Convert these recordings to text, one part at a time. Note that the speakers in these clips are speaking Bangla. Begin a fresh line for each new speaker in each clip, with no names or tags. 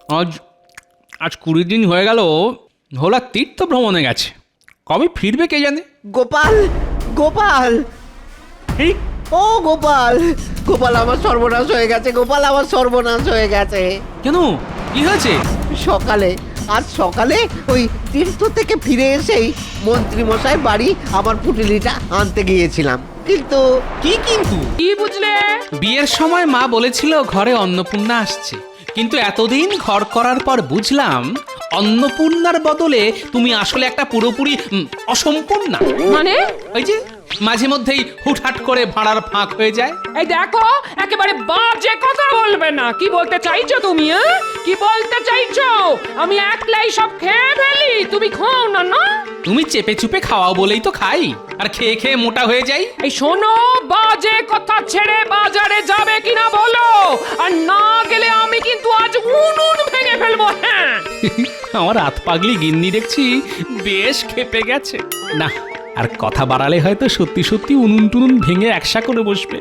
আজ আজ 20 দিন হয়ে গেল ভোলা তীর্থ ভ্রমণে গেছে। কবে ফিরবে কে জানে।
গোপাল, গোপাল,
এই
ও গোপাল, গোপাল আমার সর্বনাশ হয়ে গেছে, গোপাল আমার সর্বনাশ হয়ে গেছে।
কেন, কি হয়েছে?
আজ সকালে ওই তীর্থ থেকে ফিরে এসেই মন্ত্রী মশাই বাড়ি আমার পুটুলিটা আনতে গিয়েছিলাম, কিন্তু
কি বুঝলে?
বিয়ের সময় মা বলেছিল ঘরে অন্নপূর্ণা আসছে, কিন্তু এতদিন ঘর করার পর বুঝলাম অন্নপূর্ণার বদলে তুমি আসলে একটা পুরোপুরি অসম্পূর্ণা।
মানে?
ওই যে মাঝে মধ্যেই হুটহাট করে ভাড়ার ফাঁক হয়ে যায়।
এই দেখো, একেবারে বাজে কথা বলবে না। কি বলতে চাইছো তুমি? কি বলতে চাইছো? আমি একলাই সব খেয়ে ফেলি, তুমি খাও না? না,
তুমি চেপে চুপে খাওয়াও বলেই তো খাই, আর খেয়ে খেয়ে মোটা হয়ে যাই।
এই শোনো, বাজে কথা ছেড়ে বাজারে যাবে কিনা বলো, আর না গেলে আমি কিন্তু আজ উনুন ভেঙে ফেলবো। হ্যাঁ,
আমার হাত পাগলি গিন্নি দেখছি বেশ খেপে গেছে। না, আর কথা বাড়ালে হয়তো সত্যি সত্যি উনুন টুনুন ভেঙে একসা করে বসবে।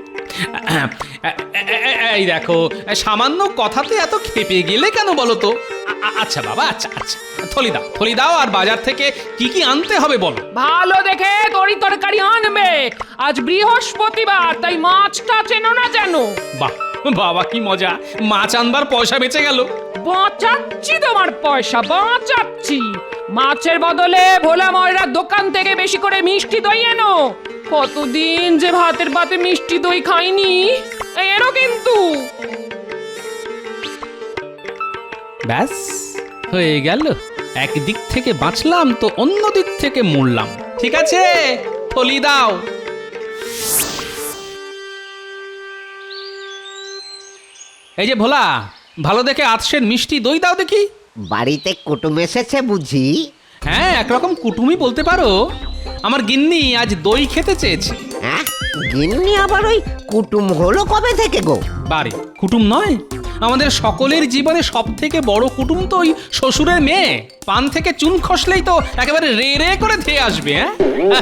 এই দেখো, সামান্য কথাতে এত খেপে গেলে কেন বলো তো? আচ্ছা বাবা, আচ্ছা আচ্ছা, থলি দাও আর বাজার থেকে কি কি আনতে হবে বলো।
ভালো দেখে তরি তরকারি আনবে। আজ বৃহস্পতিবার, তাই মাছটা চেনো না জানো?
বাহ বাবা, কি মজা, মাছ আনবার পয়সা বেঁচে গেল।
বাঁচাচ্ছি তোমার পয়সা, বাঁচাচ্ছি। মাছের বদলে ভোলা ময়রার দোকান থেকে বেশি করে মিষ্টি দই এনো। কতদিন যে ভাতের পাতে মিষ্টি দই খাইনি। এরও কিন্তু
ব্যাস হয়ে গেল, একদিক থেকে বাঁচলাম তো অন্য দিক থেকে মরলাম। ঠিক আছে, থলি দাও। এই যে ভোলা, ভালো দেখে আতসের মিষ্টি দই দাও দেখি।
বাড়িতে কুটুম এসেছে বুঝি?
হ্যাঁ, একরকম কুটুমই বলতে পারো। আমার গিন্নি আজ দই খেতে চেয়েছে।
হ্যাঁ, গিন্নি আবার ওই কুটুম হলো কবে থেকে গো?
বারে, কুটুম নয়, আমাদের সকলের জীবনে সব থেকে বড় কুটুম তো ওই শ্বশুরের মেয়ে। পান থেকে চুন খসলেই তো একেবারে রে রে করে ধেয়ে আসবে। হ্যাঁ,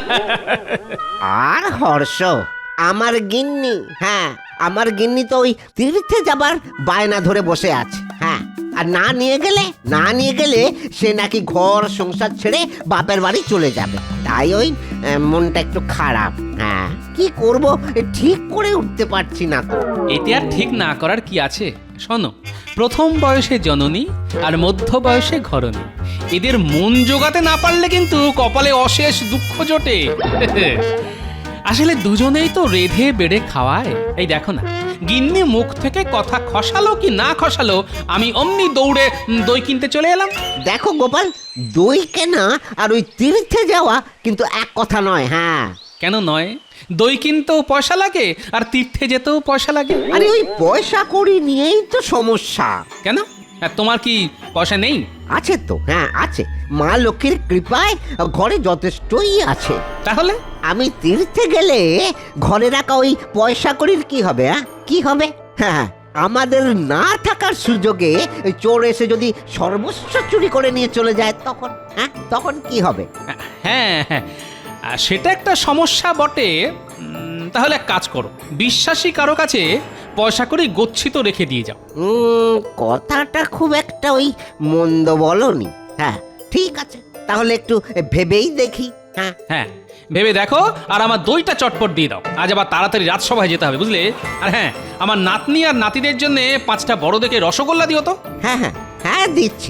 আর হর্ষ, আমার গিন্নি, হ্যাঁ আমার গিন্নি তো ওই তীর্থে যাবার বায়না ধরে বসে আছে। হ্যাঁ, আর না নিয়ে গেলে সে নাকি ঘর সংসার ছেড়ে বাপের বাড়ি চলে যাবে। তাই ওই মনটা একটু খারাপ। হ্যাঁ, কি করব ঠিক করে উঠতে পারছি না তো।
এতে আর ঠিক না করার কি আছে? শোনো, প্রথম বয়সে জননী আর মধ্য বয়সে ঘরণী, এদের মন জোগাতে না পারলে কিন্তু কপালে অশেষ দুঃখ জোটে। আসলে দুজনেই তো রেধে বেড়ে খাওয়ায়। এই দেখো না, গিন্নি মুখ থেকে কথা খসালো কি না খসালো, আমি অমনি দৌড়ে দই কিনতে চলে এলাম।
দেখো গোপাল, দই কেনা আর ওই তীর্থে যাওয়া কিন্তু এক কথা নয়। হ্যাঁ,
কেন নয়? দই কিনতেও পয়সা লাগে আর তীর্থে যেতেও পয়সা লাগে।
আরে ওই পয়সা কড়ি নিয়েই তো সমস্যা।
কেন, তোমার কি পয়সা নেই?
আছে তো, হ্যাঁ আছে, মা লক্ষ্মীর কৃপায় ঘরে যথেষ্টই আছে।
তাহলে
আমি তীর্থে গেলে ঘরে রাখা ওই পয়সা কড়ির কি হবে? কি হবে? হ্যাঁ, আমাদের না থাকার সুযোগে চোর এসে যদি সর্বস্ব চুরি করে নিয়ে চলে যায়, তখন কি হবে?
হ্যাঁ হ্যাঁ, সেটা একটা সমস্যা বটে। তাহলে এক কাজ করো, বিশ্বাসী কারো কাছে পয়সা করে গচ্ছিত রেখে দিয়ে যাও।
কথাটা খুব একটা ওই মন্দ বলনি। হ্যাঁ ঠিক আছে, তাহলে একটু ভেবেই দেখি। হ্যাঁ
হ্যাঁ, ভেবে দেখো, আর আমার দইটা চটপট দিয়ে দাও। আজ আবার তাড়াতাড়ি রাজসভায় যেতে হবে, বুঝলে? আর হ্যাঁ, আমার নাতনি আর নাতিদের জন্য 5টা বড় দেখে রসগোল্লা দিও তো।
হ্যাঁ হ্যাঁ হ্যাঁ, দিচ্ছি।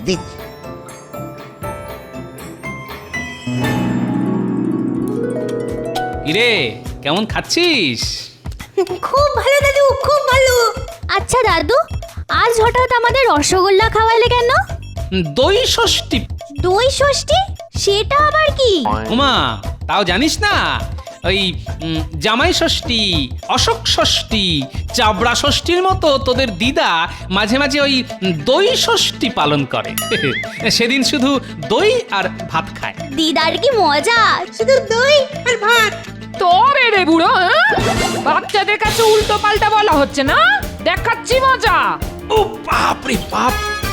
ইরে, কেমন খাচ্ছিস?
খুব ভালো দাদু, খুব ভালো। আচ্ছা দাদু, আজ হঠাৎ আমাদের রসগোল্লা খাওয়ালে কেন?
দই ষষ্ঠী।
দই ষষ্ঠী? সেটা আবার কি?
উমা, তাও জানিস না? ওই জামাই ষষ্ঠী, অশোক ষষ্ঠী, চাবড়া ষষ্ঠীর মতো তোদের দিদা মাঝে মাঝে ওই দই ষষ্ঠী পালন করে। সেদিন শুধু দই আর ভাত খায়।
দিদার কি মজা, শুধু দই আর ভাত।
তবে রে বুড়ো, বাচ্চাদের কাছে উল্টো পাল্টা বলা হচ্ছে না। দেখাচ্ছি মজা।
ও বাপ রে বাপ!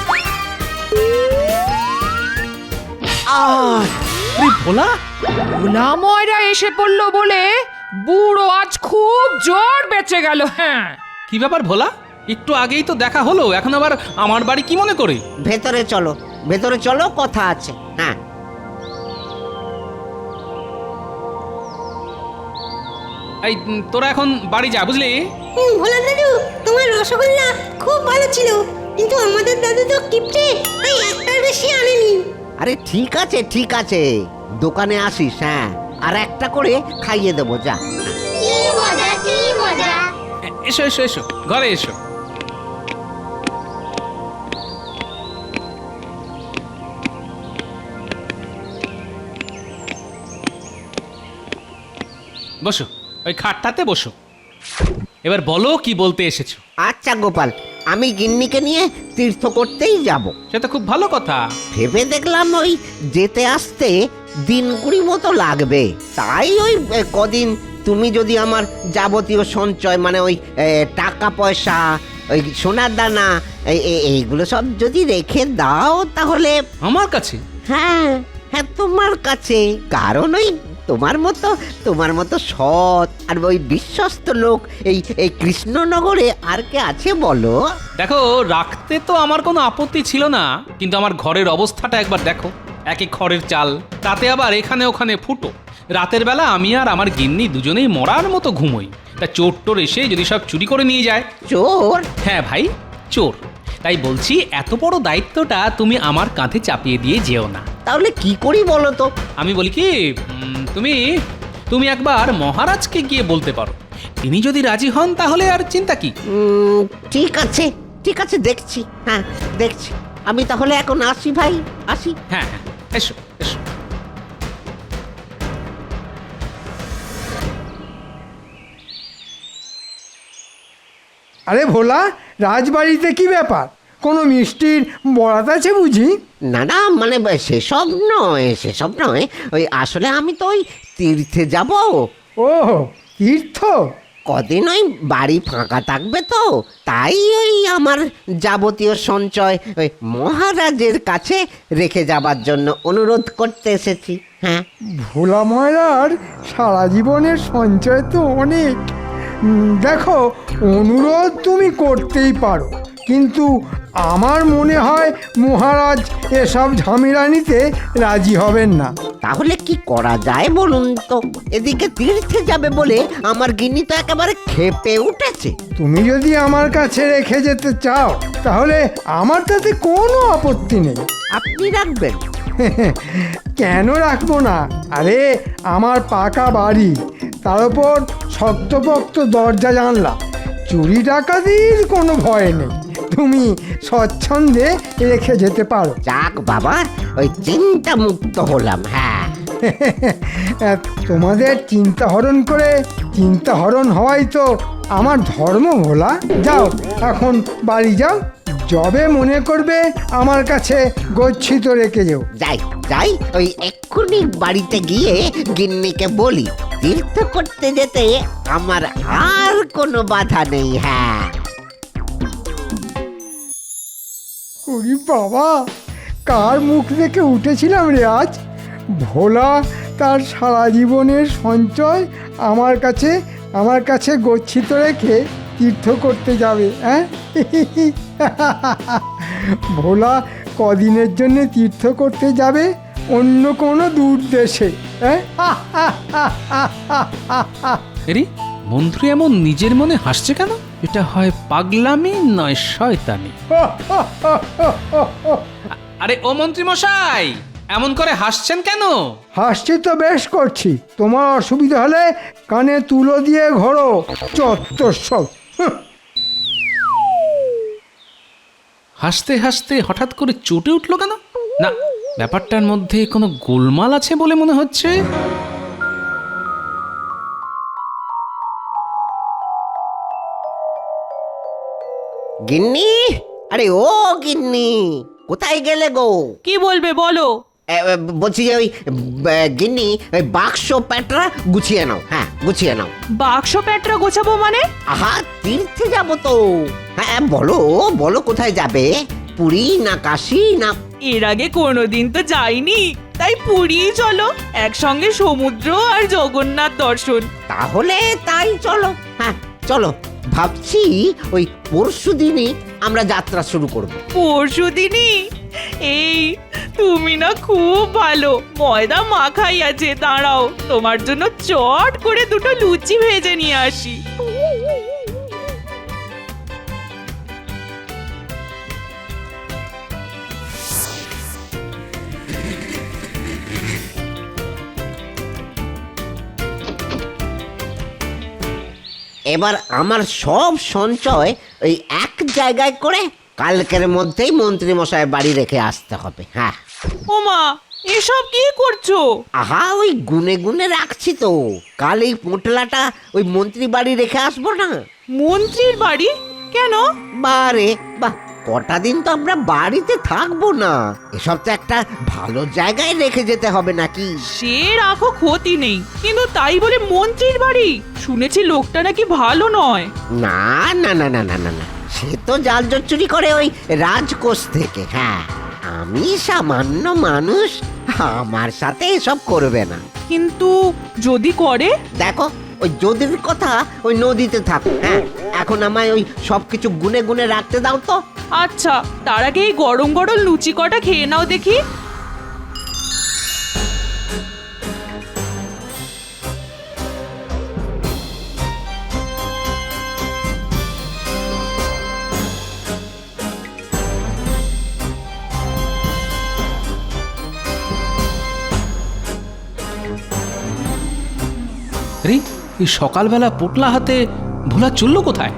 ভোলা,
ভোলা ময়রা এসে পড়লো বলে বুড়ো আজ খুব জোর বেঁচে গেল। হ্যাঁ,
কি ব্যাপার ভোলা? একটু আগেই তো দেখা হলো, এখন আবার আমার বাড়ি কি মনে করে?
ভেতরে চলো, কথা আছে। হ্যাঁ,
এই তোরা এখন বাড়ি যা, বুঝলি?
ভোলা দাদু, তোমার রসগোল্লা খুব ভালো ছিল, কিন্তু আমাদের দাদু তো কিপটে, তাই একটার বেশি আনেনি।
আরে ঠিক আছে, দোকানে আসিস। হ্যাঁ, আর একটা করে খাইয়ে দেবো, যা।
কি মজা কি মজা।
এসো এসো এসো, ঘরে এসো। বসো, ওই খাটটাতে বসো। এবার বলো কি বলতে এসেছো।
আচ্ছা গোপাল, আমি গিন্নিকে নিয়ে তীর্থ করতেই যাব।
সে তো খুব ভালো কথা।
ভেবে দেখলাম ওই যেতে আসতে দিন 20 মতো লাগবে, তাই ওই কদিন তুমি যদি আমার যাবতীয় সঞ্চয় মানে ওই টাকা পয়সা, ওই সোনার দানা, এইগুলো সব যদি রেখে দাও তাহলে।
আমার কাছে?
হ্যাঁ হ্যাঁ, তোমার কাছে। কারণ ওই তোমার মতো সৎ আর ওই বিশ্বস্ত লোক এই কৃষ্ণনগরে আর কে আছে বলো?
দেখো, রাখতে তো আমার কোনো আপত্তি ছিল না, কিন্তু আমার ঘরের অবস্থাটা একবার দেখো। একে খড়ের চাল, তাতে আবার এখানে ওখানে ফুটো। রাতের বেলা আমি আর আমার গিন্নি দুজনেই মরার মতো ঘুমোই। তা চোর টোর এসে যদি সব চুরি করে নিয়ে যায়।
চোর?
হ্যাঁ ভাই, চোর। তাই বলছি, এত বড় দায়িত্বটা তুমি আমার কাঁধে চাপিয়ে দিয়ে যেও না।
তাহলে কি করি বলো তো?
আমি বলি কি, তুমি একবার মহারাজকে গিয়ে বলতে পারো। তিনি যদি রাজি হন তাহলে আর চিন্তা কি।
ঠিক আছে, দেখছি। হ্যাঁ, দেখছি। আমি তাহলে এখন আসি ভাই, আসি।
হ্যাঁ হ্যাঁ, এসো এসো।
আরে ভোলা, রাজবাড়িতে কি ব্যাপার? কোনো মিষ্টির বরাত আছে বুঝি?
না, মানে সেসব নয়। ওই আসলে আমি তো ওই তীর্থে যাব।
ও, তীর্থ?
কদিন ওই বাড়ি ফাঁকা থাকবে তো, তাই ওই আমার যাবতীয় সঞ্চয় ওই মহারাজের কাছে রেখে যাবার জন্য অনুরোধ করতে এসেছি। হ্যাঁ,
ভোলা ময়রার সারা জীবনের সঞ্চয় তো অনেক। দেখো, অনুরোধ তুমি করতেই পারো, কিন্তু আমার মনে হয় মহারাজ এসব ঝামেলা নিতে রাজি হবেন না।
তাহলে কি করা যায় বলুন তো? এদিকে তীর্থে যাবে বলে আমার গিন্নি তো একেবারে ক্ষেপে উঠেছে।
তুমি যদি আমার কাছে রেখে যেতে চাও তাহলে আমার তাতে কোনো আপত্তি নেই।
আপনি রাখবেন?
কেন রাখবো না? আরে, আমার পাকা বাড়ি, তার উপর শক্তপোক্ত দরজা জানলা, চুরি ডাকাতির কোনো ভয় নেই। তুমি স্বচ্ছন্দে রেখে যেতে পারো।
যাক বাবা, ওই চিন্তা মুক্ত হলাম। হ্যাঁ,
তোমাদের চিন্তা হরণ করে চিন্তা হরণ হওয়াই তো আমার ধর্ম। ভোলা, যাও এখন বাড়ি যাও, যবে মনে করবে আমার কাছে গচ্ছিত রেখে যেও।
যাই, ওই এক্ষুনি বাড়িতে গিয়ে গিন্নিকে বলি তীর্থ করতে যেতে আমার আর কোনো বাধা নেই। হ্যাঁ।
ওরে বাবা, কার মুখ দেখে উঠেছিলাম রে আজ! ভোলা তার সারা জীবনের সঞ্চয় আমার কাছে গচ্ছিত রেখে তীর্থ করতে যাবে। হ্যাঁ, ভোলা কদিনের জন্য তীর্থ করতে যাবে অন্য কোনো দূর দেশে। হ্যাঁ,
এরি, মন্ত্রী এমন নিজের মনে হাসছে কেন? এটা হয় পাগলামি নয় শয়তানি। আরে ও মন্ত্রী মশাই, এমন করে হাসছেন কেন?
হাসছি তো বেশ করছি। তোমার অসুবিধা হলে কানে তুলো দিয়ে ঘোরো, চত্বর সব।
হাসতে হাসতে হঠাৎ করে চটে উঠলো কেন? না, ব্যাপারটার মধ্যে কোনো গোলমাল আছে বলে মনে হচ্ছে।
গিন্নি, আরে ও গিন্নি, কোথায় গেলে গো?
কি বলবে বলো?
বলছি যে ওই গিন্নি, ওই বাক্স প্যাটরা গুছিয়ে নাও। হ্যাঁ, গুছিয়ে নাও।
বাক্স প্যাটরা গোছাবো মানে?
আহা, তীর্থে যাব তো। হ্যাঁ, বলো কোথায় যাবে? পুরী না কাশী না?
এর আগে কোনোদিন তো যাইনি, তাই পুরীই চলো, একসঙ্গে সমুদ্র আর জগন্নাথ দর্শন।
তাহলে তাই চলো। হ্যাঁ, চলো ভাবছি ওই পরশু দিনই আমরা যাত্রা শুরু করব।
পরশু দিনই? এই তুমি না খুব ভালো, ময়দা মাখাই আছে, দাঁড়াও তোমার জন্য চট করে দুটো লুচি ভেজে নিয়ে আসি।
এবার আমার সব সঞ্চয় ওই এক জায়গায় করে কালকের মধ্যেই মন্ত্রী মশাই বাড়ি রেখে আসতে হবে। হ্যাঁ,
ওমা, এসব কি করছো?
আহা, ওই গুনে গুনে রাখছি তো, কাল এই পোঁটলাটা ওই মন্ত্রী বাড়ি রেখে আসবো না।
মন্ত্রীর বাড়ি? কেন?
বারে বাহ, কটা দিন তো আমরা বাড়িতে থাকবো না, এসব তো একটা ভালো জায়গায় রেখে যেতে হবে নাকি?
সে রাখো, ক্ষতি নেই, কিন্তু তাই বলে মন্ত্রীর বাড়ি? শুনেছি লোকটা নাকি ভালো নয়।
না না না না না না না, সে তো জাল জোট চুরি করে ওই রাজকোষ থেকে। হ্যাঁ, আমি সামান্য মানুষ, আমার সাথে এসব করবে না।
কিন্তু যদি করে?
দেখো, ওই যদির কথা ওই নদীতে থাকো। হ্যাঁ, এখন আমায় ওই সবকিছু গুনে গুনে রাখতে দাও তো।
আচ্ছা, তার আগে এই গরম গরম লুচি কটা খেয়ে নাও দেখি।
রে, এই সকালবেলা পোটলা হাতে ভোলা চললো কোথায়?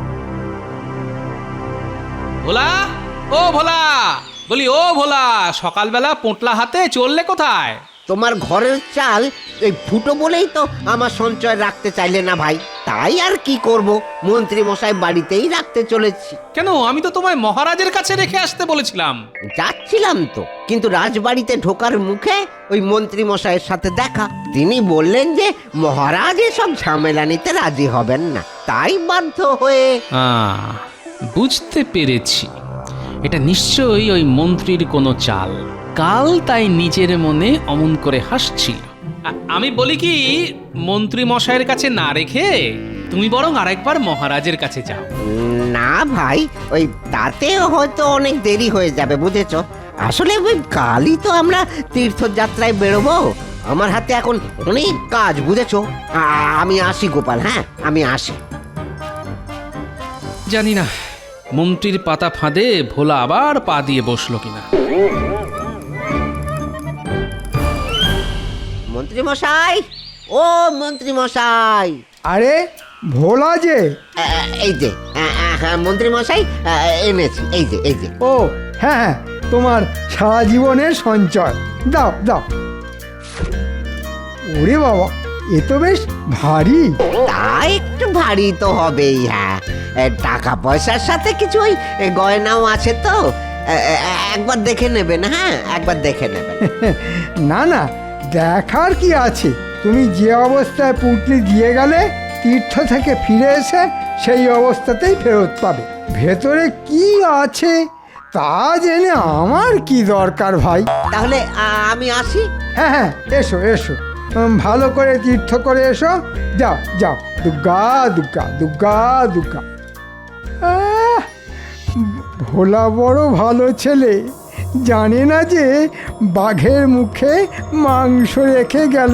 ভোলা, ও ভোলা, বলি ও ভোলা, সকালবেলা পোটলা হাতে চললে কোথায়?
তোমার ঘরের চাল এই ফুটো বলেই তো আমার সঞ্চয় রাখতে চাইলে না ভাই, তাই আর কি করব, মন্ত্রী মশাই বাড়িতেই রাখতে চলেছি।
কেন, আমি তো তোমায় মহারাজের কাছে রেখে আসতে বলেছিলাম।
যাচ্ছিলাম তো, কিন্তু রাজবাড়িতে ঢোকার মুখে ওই মন্ত্রী মশাইয়ের সাথে দেখা। তিনি বললেন যে মহারাজ এসব ঝামেলা নিতে রাজি হবেন না, তাই বাধ্য হয়ে।
বুঝতে পেরেছি, এটা নিশ্চয়ই ওই মন্ত্রীর কোনো চাল। কাল তাই নিজের মনে অমন করে হাসছিল। আমি বলি কি, মন্ত্রী মশাইয়ের কাছে না রেখে তুমি বরং আরেকবার মহারাজের কাছে যাও।
না ভাই, ওই তাতে হয়তো অনেক দেরি হয়ে যাবে, বুঝেছো? আসলে ওই কালই তো আমরা তীর্থযাত্রায় বেরোবো, আমার হাতে এখন অনেক কাজ, বুঝেছো? আমি আসি গোপাল, হ্যাঁ আমি আসি।
জানি না মন্ত্রীর পাতা ফাঁদে ভোলা আবার পা দিয়ে বসলো কিনা।
মন্ত্রী মশাই, ও মন্ত্রী মশাই।
আরে ভোলা যে,
এই যে হ্যাঁ মন্ত্রী মশাই, এনেছি, এই যে এই যে।
ও হ্যাঁ হ্যাঁ, তোমার সারা জীবনের সঞ্চয়, দাও দাও। ওরে বাবা, এ তো বেশ ভারী।
তা একটু ভারী তো হবেই। হ্যাঁ, টাকা পয়সার সাথে কিছু ওই গয়নাও আছে তো, একবার দেখে নেবেন। হ্যাঁ, একবার দেখে নেবেন।
না না, দেখার কি আছে, তুমি যে অবস্থায় পুঁটলি দিয়ে গেলে তীর্থ থেকে ফিরে এসে সেই অবস্থাতেই ফেরত পাবে। ভেতরে কি আছে তা জেনে আমার কি দরকার ভাই।
তাহলে আমি আসি।
হ্যাঁ হ্যাঁ, এসো এসো, ভালো করে তীর্থ করে এসো। যাও যাও, দুর্গা দুর্গা দুর্গা দুর্গা। আহ, ভোলা বড় ভালো ছেলে, জানে না যে বাঘের মুখে মাংস রেখে গেল।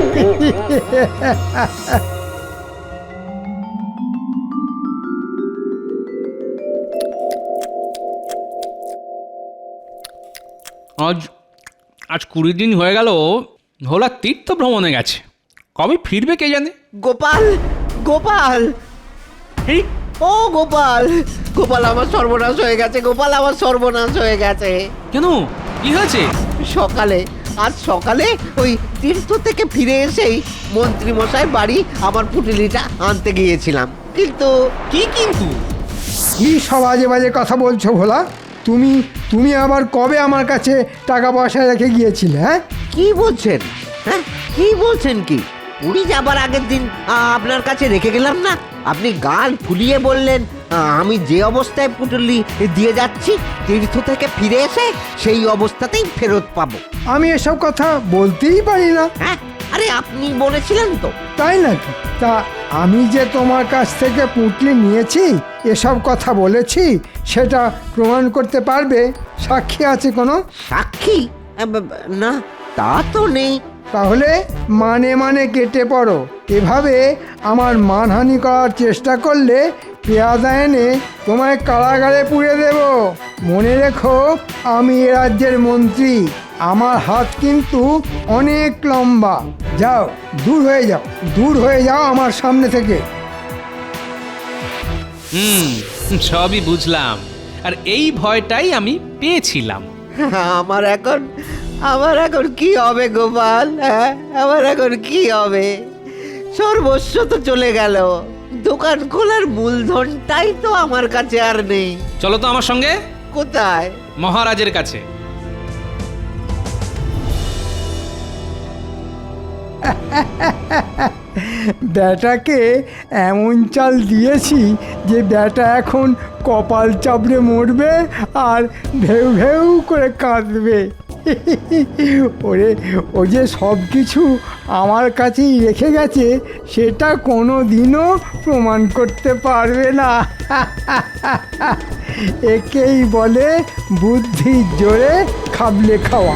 আজ আজ 20 দিন হয়ে গেল ভোলা তীর্থ ভ্রমণে গেছে, কবে ফিরবে কে জানে।
গোপাল, গোপাল,
এই
ও গোপাল, গোপাল আমার সর্বনাশ হয়ে গেছে, গোপাল আমার সর্বনাশ হয়ে গেছে।
কেন, কি হয়েছে?
সকালে, আজ সকালে ওই তীর্থ থেকে ফিরে এসেই মন্ত্রী মশাই বাড়ি আমার পুটলিটা আনতে গিয়েছিলাম, কিন্তু
কি কিন্তু?
কি সব আজে বাজে কথা বলছো ভোলা? তুমি তুমি আবার কবে আমার কাছে টাকা পয়সা রেখে গিয়েছিলে? হ্যাঁ,
কি বলছেন? হ্যাঁ, কি বলছেন? কি পুরী যাবার আগের দিন আপনার কাছে রেখে গেলাম না? আপনি গাল ফুলিয়ে বললেন আমি যে অবস্থায় পুটলি দিয়ে যাচ্ছি তীর্থ থেকে ফিরে এসে সেই অবস্থাতেই ফেরত পাবো।
আমি এসব কথা বলতেই পারি না।
হ্যাঁ, আরে আপনি বলেছিলেন তো।
তাই নাকি? তা আমি যে তোমার কাছ থেকে পুঁটলি নিয়েছি, এসব কথা বলেছি, সেটা প্রমাণ করতে পারবে? সাক্ষী আছে কোনো?
সাক্ষী? না, তা তো নেই।
তাহলে মানে মানে কেটে পড়ো। এভাবে আমার মানহানি করার চেষ্টা করলে পেয়াদা এনে তোমায় কারাগারে পুড়ে দেব। মনে রেখো, আমি এ রাজ্যের মন্ত্রী, আমার হাত কিন্তু অনেক লম্বা। যাও, দূর হয়ে যাও, দূর হয়ে যাও আমার সামনে থেকে।
সবই বুঝলাম, আর এই ভয়টাই আমি পেয়েছিলাম।
আমার এখন কি হবে গোপাল? হ্যাঁ, আমার এখন কি হবে? সর্বস্ব তো চলে গেল, দোকান খোলার মূলধনটাই তো আমার কাছে আর নেই।
চলো তো আমার সঙ্গে।
কোথায়?
মহারাজের কাছে।
ব্যাটাকে এমন চাল দিয়েছি যে ব্যাটা এখন কপাল চাপড়ে মরবে আর ভেউ ভেউ করে কাঁদবে। ওরে, ও যে সব কিছু আমার কাছেই রেখে গেছে, সেটা কোনো দিনও প্রমাণ করতে পারবে না। একেই বলে বুদ্ধির জোরে খাবলে খাওয়া।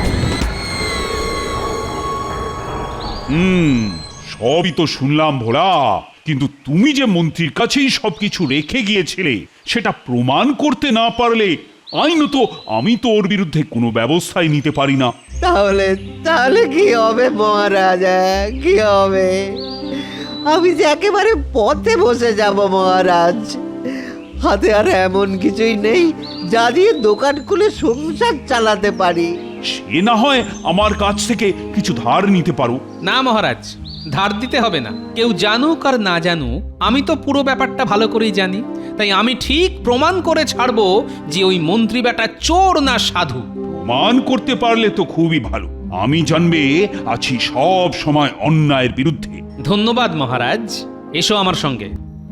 সবই তো শুনলাম ভোলা, কিন্তু তুমি যে মন্ত্রীর কাছেই সবকিছু রেখে গিয়েছিলে, সেটা প্রমাণ করতে না পারলে আইনত আমি তো ওর বিরুদ্ধে কোনো ব্যবস্থাই নিতে পারি না।
তাহলে তাহলে কি হবে মহারাজ? কি হবে? আমি যে একেবারে পথে বসে যাব মহারাজ। হাতে আর এমন কিছুই নেই যা দিয়ে দোকান খুলে সংসার চালাতে পারি।
সে না হয় আমার কাছ থেকে কিছু ধার নিতে পারো।
না মহারাজ, ধার দিতে হবে না। কেউ জানুক আর না জানুক, আমি তো পুরো ব্যাপারটা ভালো করেই জানি। তাই আমি ঠিক প্রমাণ করে ছাড়বো যে ওই মন্ত্রী বেটা চোর না সাধু।
প্রমাণ করতে পারলে তো খুবই ভালো। আমি জানবে আছি সব সময় অন্যায়ের বিরুদ্ধে।
ধন্যবাদ মহারাজ, এসো আমার সঙ্গে।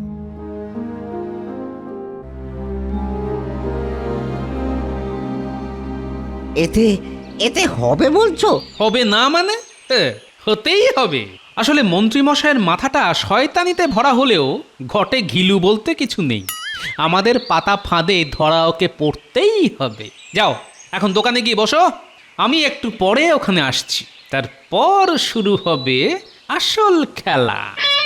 এতে এতে হবে বলছো?
হবে না মানে? হতেই হবে। আসলে মন্ত্রীমশাইয়ের মাথাটা শয়তানিতে ভরা হলেও ঘটে ঘিলু বলতে কিছু নেই। আমাদের পাতা ফাঁদে ধরা ওকে পড়তেই হবে। যাও, এখন দোকানে গিয়ে বসো, আমি একটু পরে ওখানে আসছি। তারপর শুরু হবে আসল খেলা।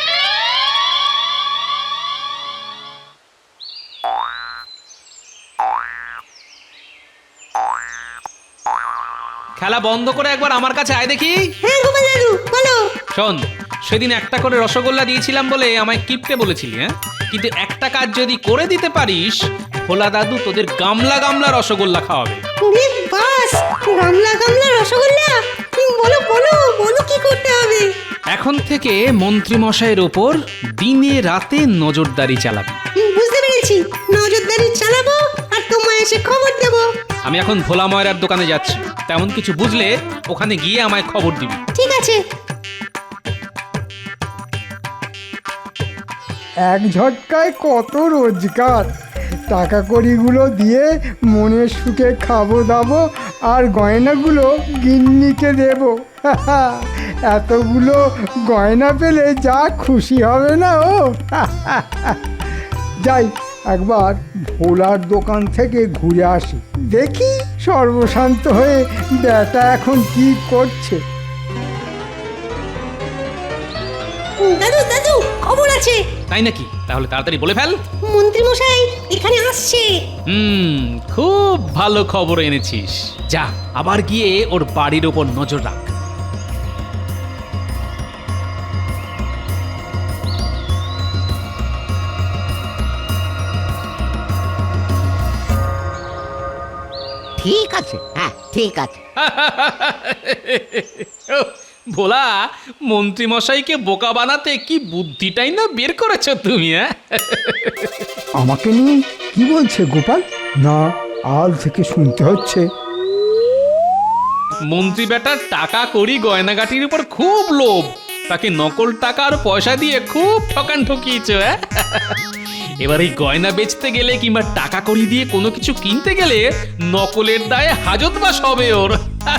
খেলা বন্ধ করে একবার আমার কাছে আয় দেখি।
হ্যাঁ গোপাল দাদু, বলো।
শোন, সেদিন একটা করে রসগোল্লা দিয়েছিলাম বলে আমায় কিপটে বলেছিলি, হ্যাঁ? কিন্তু একটা কাজ যদি করে দিতে পারিস, ভোলা দাদু তোদের গামলা গামলা রসগোল্লা খাওয়াবে।
বাস, গামলা গামলা রসগোল্লা। বলো বলো বলো, কি করতে হবে?
এখন থেকে মন্ত্রী মশাইয়ের ওপর দিনে রাতে নজরদারি চালাবি।
বুঝতে পেরেছি, নজরদারি চালাবো আর তোমায় এসে খবর দেবো।
আমি এখন ভোলা ময়রার দোকানে যাচ্ছি, তেমন কিছু বুঝলে ওখানে গিয়ে আমায় খবর দিবি।
ঠিক আছে।
এক ঝটকায় কত রোজগার। টাকা কড়িগুলো দিয়ে মনের সুখে খাবো দাবো, আর গয়নাগুলো গিন্নিকে দেব। এতগুলো গয়না পেলে যা খুশি হবে না ও। যাই, একবার ভোলার দোকান থেকে ঘুরে আসি, দেখি সর্বশান্ত হয়ে ব্যাটা এখন কি করছে।
দাদু দাদু, খবর আছে।
তাই নাকি? তাহলে তাড়াতাড়ি বলে ফেল।
মন্ত্রী মশাই এখানে আসছে।
খুব ভালো খবর এনেছিস। যা, আবার গিয়ে ওর বাড়ির ওপর নজর রাখ।
ঠিক আছে, হ্যাঁ ঠিক আছে।
ভোলা, মন্ত্রী মশাইকে বোকা বানাতে কি বুদ্ধিটাই না বের করেছো তুমি, হ্যাঁ?
আমাকে নিয়ে কি বলছে গোপাল? না, আল থেকে শুনতে হচ্ছে।
মন্ত্রী বেটার টাকা কড়ি গয়নাগাটির উপর খুব লোভ, তাকে নকল টাকা আর পয়সা দিয়ে খুব ঠকান ঠকিয়েছ, হ্যাঁ? এবার এই গয়না বেচতে গেলে কিংবা টাকা কড়ি দিয়ে কোনো কিছু কিনতে গেলে নকলের দায়ে হাজতবাস হবে ওর।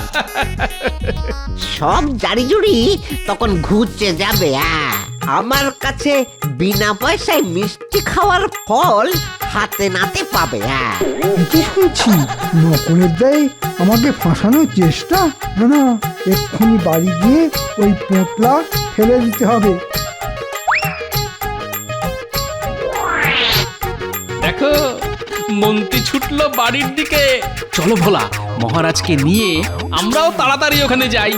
সব জারিজুরি তখন ঘুরছে যাবে। আমার কাছে বিনা পয়সায় মিষ্টি খাওয়ার ফল হাতে নাতে পাবে।
কি শুনছি নকলের দায়ে আমাকে ফাঁসানোর চেষ্টা? না না, এক্ষুনি বাড়ি গিয়ে ওই পোঁতলা ফেলে দিতে হবে।
দেখো মন্ত্রী ছুটলো বাড়ির দিকে। চলো ভোলা, মহারাজকে নিয়ে আমরাও তাড়াতাড়ি ওখানে যাই।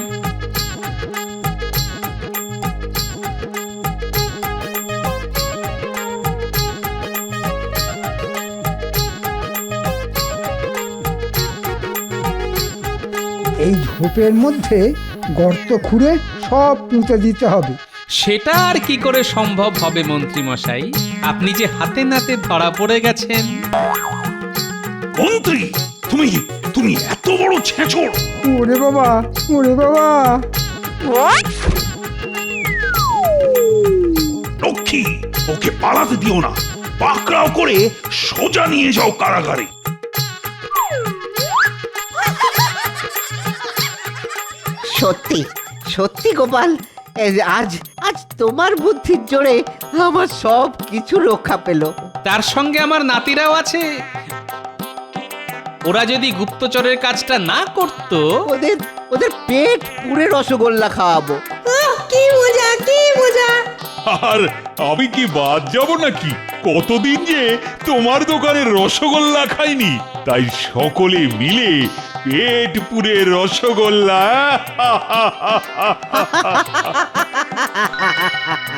এই ঝোপের মধ্যে গর্ত খুঁড়ে সব পুঁতে দিতে হবে।
সেটা আর কি করে সম্ভব হবে মন্ত্রী মশাই, আপনি যে হাতে নাতে ধরা পড়ে গেছেন।
মন্ত্রী, তুমি তুমি এত বড় ছেঁচড়!
ওরে বাবা, ওরে বাবা!
লক্ষ্মী, ওকে পালাতে দিও না, পাকড়াও করে সোজা নিয়ে যাও কারাগারে।
সত্যি সত্যি গোপাল, এই যে আজ আজ তোমার বুদ্ধির জোরে আমার সব কিছু রক্ষা পেল।
তার সঙ্গে আমার নাতিরাও আছে। ওরা যদি গুপ্তচরের কাজটা না করত,
ওদের ওদের পেট পুরে রসগোল্লা খাওয়াবো।
কি মজা, কি মজা!
আর আমি কি বাদ যাব নাকি? কতদিন যে তোমার দোকানে রসগোল্লা খাইনি, তাই সকলে মিলে পেট পুরে রসগোল্লা।